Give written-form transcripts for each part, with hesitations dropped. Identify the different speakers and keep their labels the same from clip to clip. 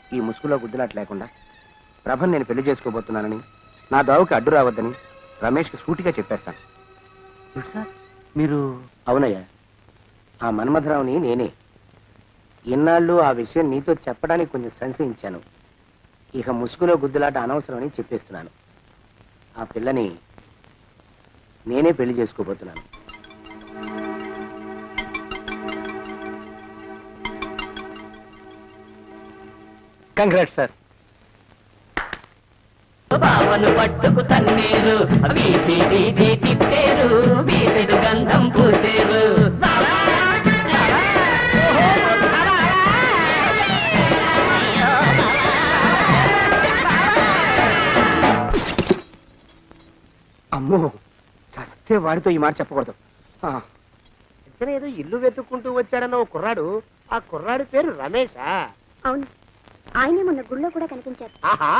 Speaker 1: ఈ ముసుగులో గుద్దులాట లేకుండా ప్రభను నేను పెళ్లి చేసుకోబోతున్నానని, నా దావుకి అడ్డు రావద్దని రమేష్కి సూటిగా చెప్పేస్తాను.
Speaker 2: సార్ మీరు?
Speaker 1: అవునయ్యా, ఆ మన్మథరావుని నేనే. ఇన్నాళ్ళు ఆ విషయం నీతో చెప్పడానికి కొంచెం సంశయించాను. ఇక ముసుగులో గుద్దులాట అనవసరమని చెప్పేస్తున్నాను. ఆ పిల్లని నేనే పెళ్లి చేసుకోబోతున్నాను. Congrats sir.
Speaker 3: బావను పట్టుకు తన్నేరు, వీధి వీధి తిప్పేరు, వీధుడు గంధం పూసేరు.
Speaker 1: అమ్మో, చస్తే వాడితో ఈ మాట చెప్పకూడదు. ఏదో ఇల్లు వెతుక్కుంటూ వచ్చాడన్న ఓ కుర్రాడు, ఆ కుర్రాడి పేరు రమేషా?
Speaker 4: అవును, ఆయనే మొన్న గుళ్ళో కూడా కనిపించారు.
Speaker 1: ఆహా,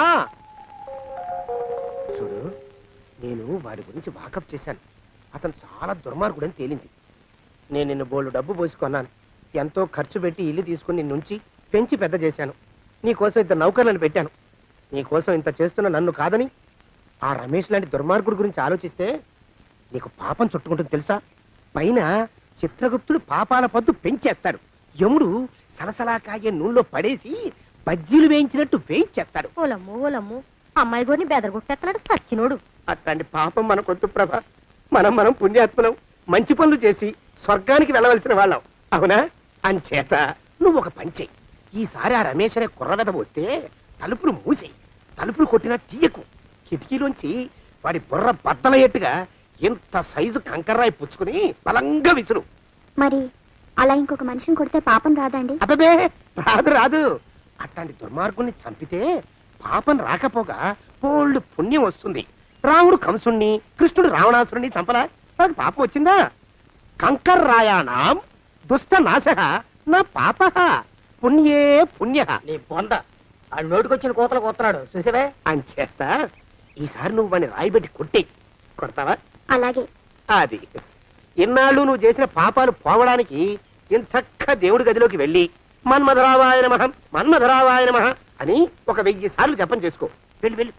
Speaker 1: చూడు, నేను వాడి గురించి వాకప్ చేశాను. అతను చాలా దుర్మార్గుడని తేలింది. నేను నిన్ను బోళ్ళు డబ్బు పోసుకున్నాను. ఎంతో ఖర్చు పెట్టి ఇల్లు తీసుకుని నిన్నుంచి పెంచి పెద్ద చేశాను. నీకోసం ఇంత నౌకర్లను పెట్టాను. నీకోసం ఇంత చేస్తున్న నన్ను కాదని ఆ రమేష్ లాంటి దుర్మార్గుడి గురించి ఆలోచిస్తే నీకు పాపం చుట్టుకుంటుంది తెలుసా? పైన చిత్రగుప్తుడు పాపాల పద్దు పెంచేస్తాడు. యముడు సలసలా కాగే నూనెలో పడేసి బజ్జీలు వేయించినట్టు వేయించేస్తాడు.
Speaker 4: ఓలమ్ము ఓలమ్ము, అమ్మాయి గోరిని బెదరగొట్టేస్తున్నాడు సచ్చినోడు.
Speaker 1: అట్లాంటి పాపం మనకొద్దు ప్రభ. మనం పుణ్యాత్మలం, మంచి పనులు చేసి స్వర్గానికి వెళ్ళవలసిన వాళ్ళం, అవునా? అంచేత నువ్వు ఒక పని చెయ్యి. ఈసారి ఆ రమేష్ అనే కుర్రవెద వస్తే తలుపులు మూసేయి. తలుపులు కొట్టినా తీయకు. కిటికీలోంచి వాడి బుర్ర బద్దలయ్యేట్టుగా ఇంత సైజు కంకర్రాయి పుచ్చుకుని బలంగా విసురు.
Speaker 4: మరి అలా ఇంకొక మనిషిని కొడితే పాపం రాదండి?
Speaker 1: అబ్బే, రాదు. అట్లాంటి దుర్మార్గుల్ని చంపితే పాపం రాకపోగా పోళ్ళు పుణ్యం వస్తుంది. రాముడు కంసుణ్ణి, కృష్ణుడు రావణాసురుణ్ణి చంపలా, నాకు పాపం వచ్చిందా? కంకర్రాయాణం దుష్ట నాశ నా పాప పుణ్యే పుణ్య.
Speaker 3: నీ బొంద, ఆ నోటికొచ్చిన కోతలు కొత్తనాడు చూసావే.
Speaker 1: అంచేత ఈసారి నువ్వు వాడిని రాయిబెట్టి కొట్టి కొడతావా?
Speaker 4: అలాగే.
Speaker 1: అది ఇన్నాళ్ళు నువ్వు చేసిన పాపాలు పోవడానికి ఇంచక్క దేవుడి గదిలోకి వెళ్ళి మన్మధరావాయ నమః మన్మధరావాయ నమః అని ఒక 1000 సార్లు జపం చేసుకో. వెళ్ళి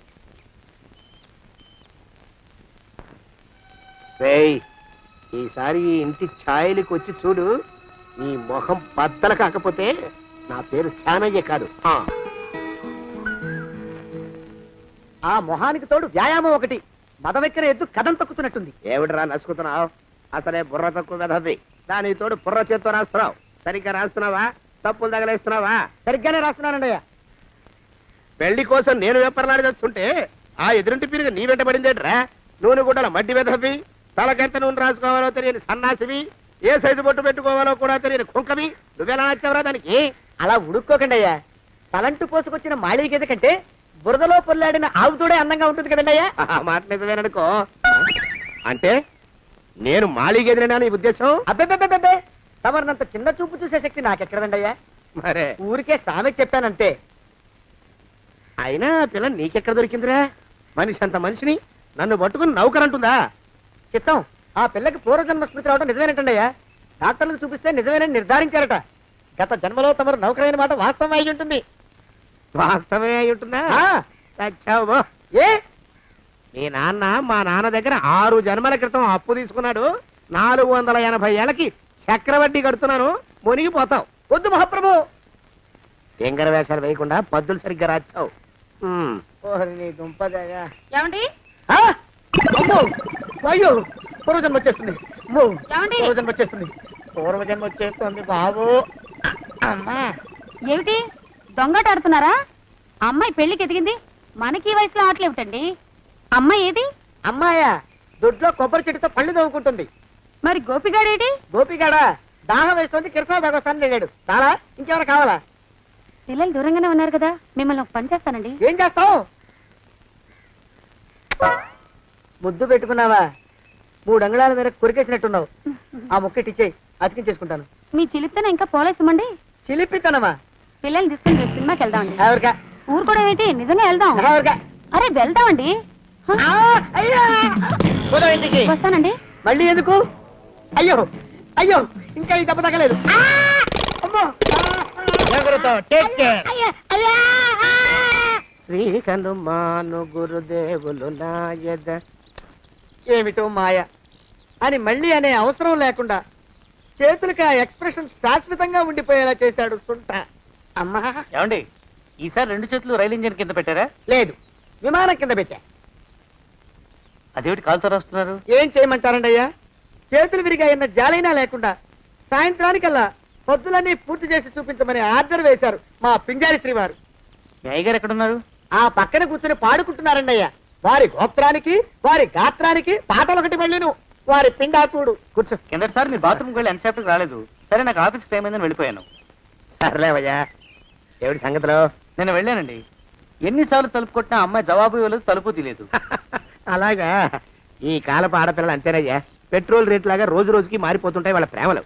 Speaker 1: రేయ్, ఈసారి ఈ ఇంటి ఛాయలకు వచ్చి చూడు. నీ మొహం బద్దల కాకపోతే నా పేరు శానయ్య కాదు.
Speaker 2: ఆ మొహానికి తోడు వ్యాయామం ఒకటి, మదవెక్కిన ఎద్దు కథం తొక్కుతున్నట్టుంది.
Speaker 1: ఏమిటిరా నసుకుతున్నావు? అసలే బుర్ర తక్కువ వెధవి. దాని తోడు బుర్ర చేత్తో రాస్తున్నావు. సరిగ్గా రాస్తున్నావా? తప్పులు తగలేస్తున్నావా?
Speaker 2: సరిగ్గానే రాస్తున్నానండి.
Speaker 1: పెళ్లి కోసం నేను వెప్పర్లాడి తెస్తుంటే ఆ ఎదురింటి పీరుగా నీ వెంట పడిందేట్రా? నూనె గుడ్డల మడ్డి వెధవి, తలకెంత నూనె రాసుకోవాలో తెలియని సన్నాసివి, ఏ సైజు బొట్టు పెట్టుకోవాలో కూడా తెలియని కుంకవి, నువ్వెలా నచ్చావురా దానికి?
Speaker 2: అలా ఉడుక్కోకండి అయ్యా. తలంటు పోసుకొచ్చిన మాళీ గేదె కంటే బురదలో పొల్లాడిన ఆవుతోడే అందంగా ఉంటుంది కదండి అయ్యా.
Speaker 1: మాట నిజమేననుకో. అంటే నేను మాళీగేదినా నీ ఉద్దేశం?
Speaker 2: అబ్బే, తమరినంత చిన్న చూపు చూసే శక్తి నాకెక్కడదండి అయ్యా.
Speaker 1: మరే
Speaker 2: ఊరికే సామె చెప్పానంతే.
Speaker 1: అయినా పిల్ల నీకెక్కడ దొరికిందిరా? మనిషి అంత మనిషిని నన్ను పట్టుకుని నౌకరంటుందా?
Speaker 2: చిత్తం, ఆ పిల్లకి పూర్వజన్మ స్మృతి రావడం నిజమేనటండి అయ్యా. డాక్టర్లకు చూపిస్తే నిజమేనని నిర్ధారించారట. గత జన్మలో తమరు నౌకరైన మాట వాస్తవం అయి ఉంటుంది.
Speaker 1: వాస్తవమే అయి ఉంటుందా? చచ్చావు.
Speaker 2: ఏ
Speaker 1: మీ నాన్న మా నాన్న దగ్గర 6 జన్మల క్రితం అప్పు తీసుకున్నాడు. 480 ఏళ్ళకి చక్రవడ్డీ కడుతున్నాను. మునిగిపోతావు.
Speaker 2: వద్దు మహాప్రభు.
Speaker 1: ఎంగర వేషాలు వేయకుండా పద్దులు సరిగ్గా రాచావు.
Speaker 4: ఏమండి?
Speaker 2: అయ్యో, పూర్వజన్మ వచ్చేస్తుంది. పూర్వజన్మ వచ్చేస్తుంది.
Speaker 1: పూర్వజన్మ వచ్చేస్తుంది బాబు. అమ్మా,
Speaker 4: ఏమిటి దొంగట ఆడుతున్నారా? అమ్మాయి పెళ్లికి ఎదిగింది, మనకి ఈ వయసులో ఆటలేమిటండి? అమ్మాయి ఏది?
Speaker 2: అమ్మాయా? దొడ్లో కొబ్బరి చెట్టుతో పళ్ళు తవ్వుకుంటుంది.
Speaker 4: మరి గోపిగాడేటి?
Speaker 2: గోపిగాడ దాహం వేస్తుంది, కిరసా దాగొస్తాను వెళ్ళాడు. చాలా ఇంకెవరు కావాలా?
Speaker 4: పిల్లలు దూరంగానే ఉన్నారు కదా, మిమ్మల్ని ఒక పని చేస్తానండి.
Speaker 2: ఏం చేస్తావు? ముద్దు పెట్టుకున్నావా? 3 అంగుళాల మేర కొరికేసినట్టున్నావు. ఆ ముక్కటిచ్చేయి, అతికించేసుకుంటాను.
Speaker 4: మీ చిలిపితనం ఇంకా పోలేసమండి.
Speaker 2: చిలిపితనమా?
Speaker 4: పిల్లల్ని తీసుకుని రేపు సినిమాకి వెళ్దామండి.
Speaker 2: ఎవరికా?
Speaker 4: ఊరు కూడా ఏంటి, నిజంగా వెళ్దాం.
Speaker 2: ఎవరికా?
Speaker 4: అరే వెళ్దామండి. వస్తానండి.
Speaker 2: మళ్ళీ ఎందుకు? అయ్యో అయ్యో, ఇంకా ఈ దెబ్బ తగ్గలేదు. అమ్మో,
Speaker 1: టేక్ కేర్. శ్రీ హనుమాను గురుదేవులు నాయద.
Speaker 2: ఏమిటో మాయ అని మళ్ళీ అనే అవసరం లేకుండా చేతులకి ఆ ఎక్స్ప్రెషన్ శాశ్వతంగా ఉండిపోయేలా చేశాడు సుంఠ. అమ్మా
Speaker 3: ఏమండి ఈసారి 2 చేతులు రైలు ఇంజిన్ కింద పెట్టారా?
Speaker 2: లేదు, విమానం కింద పెట్టా.
Speaker 3: అదేమిటి కాలుతో రాస్తున్నారు?
Speaker 2: ఏం చేయమంటారండి అయ్యా, చేతులు విరిగాయన్న జాలైనా లేకుండా సాయంత్రానికల్లా పొద్దులన్నీ పూర్తి చేసి చూపించమని ఆర్డర్ వేశారు మా పింజారి శ్రీవారు.
Speaker 3: మీ అయ్యగారు ఎక్కడున్నారు?
Speaker 2: ఆ పక్కన కూర్చుని పాడుకుంటున్నారండి అయ్యా. వారి గోత్రానికి వారి గాత్రానికి పాటలు ఒకటి మళ్ళీను వారి పిండాకుడు.
Speaker 1: కూర్చో.
Speaker 3: కిందటిసారి మీ బాత్రూమ్కి వెళ్ళి ఎంతసేపటికి రాలేదు. సరే నాకు ఆఫీస్కి టైం అయిందని వెళ్ళిపోయాను.
Speaker 1: సర్లేవయ్యా, ఏమిటి సంగతిలో?
Speaker 3: నేను వెళ్ళానండి. ఎన్నిసార్లు తలుపు కొట్టినా అమ్మాయి జవాబు ఇవ్వలేదు, తలుపు తీయలేదు.
Speaker 1: అలాగా, ఈ కాలపు ఆడపిల్లలు అంతేనయ్యా. పెట్రోల్ రేట్ లాగా రోజు రోజుకి మారిపోతుంటాయి వాళ్ళ ప్రేమలు.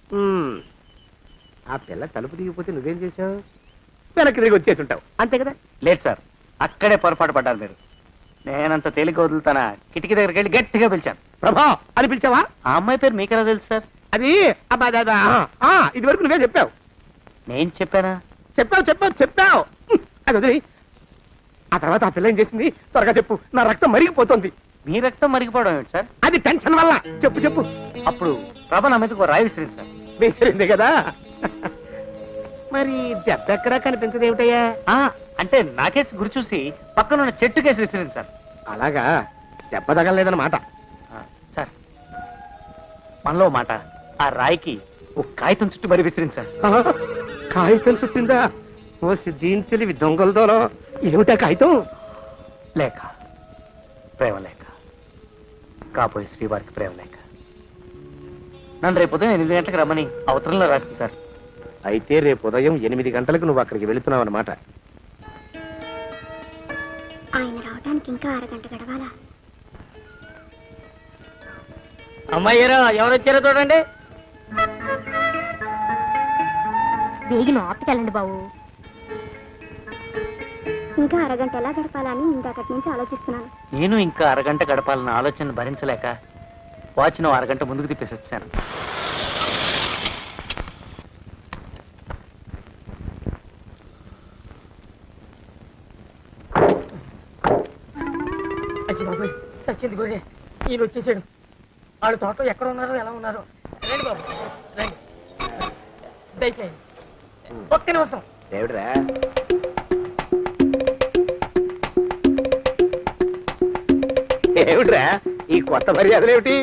Speaker 1: ఆ పిల్ల తలుపు దిగిపోతే నువ్వేం చేసావు? వెనక్కి తిరిగి వచ్చేసి ఉంటావు, అంతే కదా?
Speaker 3: లేదు సార్, అక్కడే పొరపాటు పడ్డారు మీరు. నేనంత తేలిక వదులుతానా? కిటికీ దగ్గరికి వెళ్ళి గట్టిగా పిలిచాను.
Speaker 1: ప్రభా అని పిలిచావా?
Speaker 3: ఆ అమ్మాయి పేరు మీకెలా తెలుసు సార్?
Speaker 1: అది అబ్బా, ఇది వరకు నువ్వే చెప్పావు.
Speaker 3: నేను చెప్పానా?
Speaker 1: చెప్పావు. అది వదిలి, ఆ తర్వాత ఆ పిల్ల ఏం చేసింది? త్వరగా చెప్పు, నా రక్తం మరిగిపోతుంది.
Speaker 3: మీ రక్తం మరిగిపోవడం ఏంటి సార్?
Speaker 1: అది టెన్షన్ వల్ల. చెప్పు.
Speaker 3: అప్పుడు ప్రభ నా మీదకి ఒక రాయి విసిరింది సార్.
Speaker 1: వేసిరింది కదా. మరి దెబ్బ ఎక్కడా కనిపించదు ఏమిటయ్యా?
Speaker 3: అంటే నాకేసి గురి చూసి పక్కనున్న చెట్టు కేసి విసిరింది సార్.
Speaker 1: అలాగా, దెబ్బ తగలలేదన్నమాట.
Speaker 3: సార్ మనలో మాట, ఆ రాయికి ఒక కాగితం చుట్టూ మరి విసిరింది సార్.
Speaker 1: కాగితం చుట్టిందా? ఓ దీని తెలివి దొంగలదోలో. ఏమిటా కాగితం?
Speaker 3: లేక, ప్రేమ లేక, కాబోయే శ్రీవారికి ప్రేమ లేక. నన్ను రేపు ఉదయం 8 గంటలకు రమ్మని అవతరంలో రాసింది సార్.
Speaker 1: అయితే రేపు ఉదయం 8 గంటలకు నువ్వు అక్కడికి వెళుతున్నావు అన్నమాట.
Speaker 5: ఆయన రావడానికి ఇంకా అరగంట గడవాలా?
Speaker 3: అమ్మాయ్యారా, ఎవరు వచ్చారో చూడండి.
Speaker 4: వేగిన ఆపుకెళ్ళండి బాబు.
Speaker 5: ఇంకా అరగంట ఎలా గడపాలని ఇందాకటి నుంచి ఆలోచిస్తున్నాను.
Speaker 3: నేను ఇంకా అరగంట గడపాలన్న ఆలోచన భరించలేక వాచ్ను అరగంట ముందుకు తిప్పేసి వచ్చాను.
Speaker 2: అచ్చి బాబాయ్, సచ్చింది గొర్రె. ఈయన వచ్చేసాడు. వాళ్ళు తోటలో ఎక్కడ ఉన్నారో ఎలా ఉన్నారో. రండి బాబు, రండి, దయచేయండి. ఒక్క నిమిషం.
Speaker 1: ఏమిట్రా? ఏమిట్రా ఈ కొత్త మర్యాదలు ఏమిటి?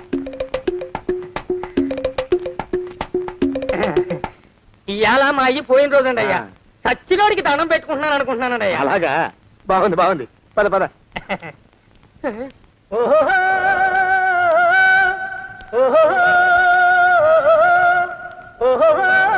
Speaker 2: ఇవాళ మా అయ్యి పోయిన రోజండి అయ్యా. సచ్చినోడికి దండం పెట్టుకుంటున్నాను అనుకుంటున్నానండి అయ్యా.
Speaker 1: అలాగా, బాగుంది. పద.
Speaker 2: ఓహో ఓహో ఓహో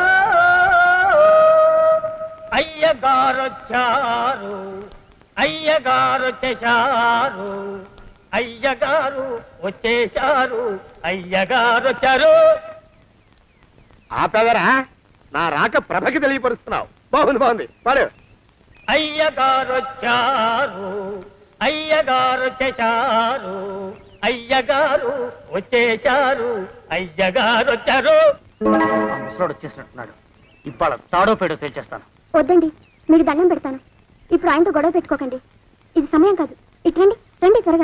Speaker 2: అయ్యగారొచ్చారు, అయ్యగారు వచ్చేశారు, అయ్యగారు వచ్చేశారు, అయ్యగారు వచ్చారు.
Speaker 1: ఆపేదరా, నా రాక ప్రభకి తెలియపరుస్తున్నావు. బాగుంది. పాడు.
Speaker 2: అయ్యగారు వచ్చారు, అయ్యగారు వచ్చేశారు, అయ్యగారు వచ్చేశారు, అయ్యగారు వచ్చారు.
Speaker 3: ఆ ముసలోడు వచ్చేసినట్టున్నాడు. ఇవాళ తాడో పేడో తేల్చేస్తాను.
Speaker 5: వద్దండి, మీకు దండం పెడతాను. ఇప్పుడు ఆయనతో గొడవ పెట్టుకోకండి. ఇది సమయం కాదు. ఇటు రండి త్వరగా.